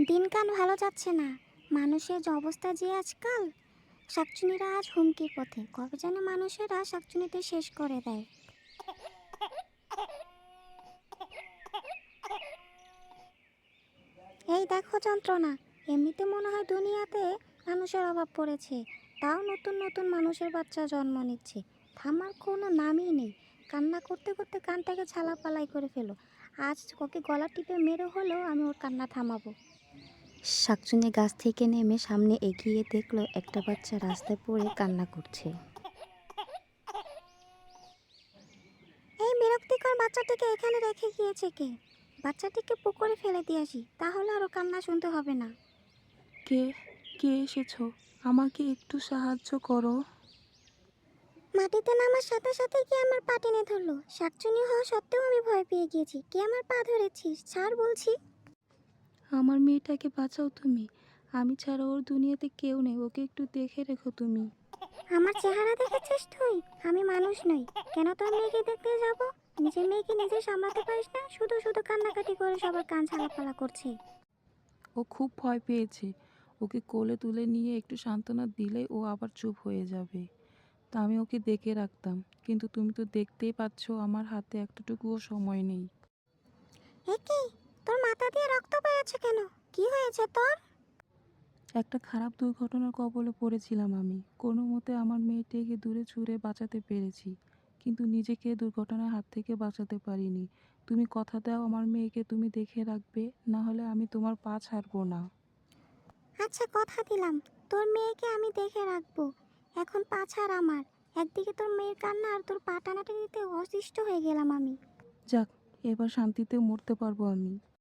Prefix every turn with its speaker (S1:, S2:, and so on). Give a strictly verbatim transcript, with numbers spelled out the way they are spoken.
S1: দিনকাল ভালো যাচ্ছে না। মানুষের যে অবস্থা যে আজকাল, শাকচুনিরা আজ হুমকির পথে। কবে যেন মানুষেরা শাকচুনিতে শেষ করে দেয়। এই দেখো যন্ত্রণা। এমনিতে মনে হয় দুনিয়াতে মানুষের অভাব পড়েছে, তাও নতুন নতুন মানুষের বাচ্চা জন্ম নিচ্ছে। থামার কোনো নামই নেই। কান্না করতে করতে কানটাকে ছালাপালাই করে ফেলো। আজ ওকে গলা টিপে মেরে হলেও আমি ওর কান্না থামাবো।
S2: শাকচুন্নি গাছ থেকে নেমে সামনে এগিয়ে দেখলো একটা বাচ্চা রাস্তায় পড়ে কান্না করছে।
S1: এই বিরক্তিকর বাচ্চাটিকে এখানে রেখে গিয়েছে কে? বাচ্চাটিকে পুকুরে ফেলে দিয়ে আসি, তাহলে আরও কান্না শুনতে হবে না।
S3: কে কে এসেছো? আমাকে একটু সাহায্য করো।
S1: মাটিতে নামার সাথে সাথে কি আমার পা টেনে ধরলো। শাকচুনি হওয়া সত্ত্বেও আমি ভয় পেয়ে গিয়েছি। কে আমার পা ধরেছিস? ছাড় বলছি।
S3: আমার মেয়েটাকে বাঁচাও তুমি। আমি ছাড়া ওর দুনিয়াতে কেউ নেই, ওকে একটু দেখে রেখো তুমি।
S1: আমার চেহারা দেখেছিস তুই? আমি মানুষ নই। কেন তোর মেয়েকে দেখতে যাব? নিজের মেয়েকে নিজে সামলাতে পারিস না, শুধু শুধু কান্নাকাটি করে সবার কান ছালাপালা করছে।
S3: ও খুব ভয় পেয়েছে। ওকে কোলে তুলে নিয়ে একটু সান্ত্বনা দিলেই ও আবার চুপ হয়ে যাবে। তা আমি ওকে দেখে রাখতাম, কিন্তু তুমি তো দেখতেই পাচ্ছ আমার হাতে একটুটুকুও সময় নেই।
S1: এ কি? তোর মাথা দিয়ে রক্ত বেরোচ্ছে কেন? কি হয়েছে তোর?
S3: একটা খারাপ দুর্ঘটনার কবলে পড়েছিলাম আমি। কোনো মতে আমার মেয়েটিকে দূরে ছুঁড়ে বাঁচাতে পেরেছি, কিন্তু নিজেকে দুর্ঘটনার হাত থেকে বাঁচাতে পারিনি। তুমি কথা দাও আমার মেয়েকে তুমি দেখে রাখবে, না হলে আমি তোমার পা ছাড়বো না।
S1: আচ্ছা, কথা দিলাম তোর মেয়েকে আমি দেখে রাখবো। এখন পা ছাড় আমার। একদিকে তোর মেয়ের কান্না আর তোর পা টানাটানিতে অসুস্থ হয়ে গেলাম আমি।
S3: যাক, এবার শান্তিতে মরতে পারবো আমি।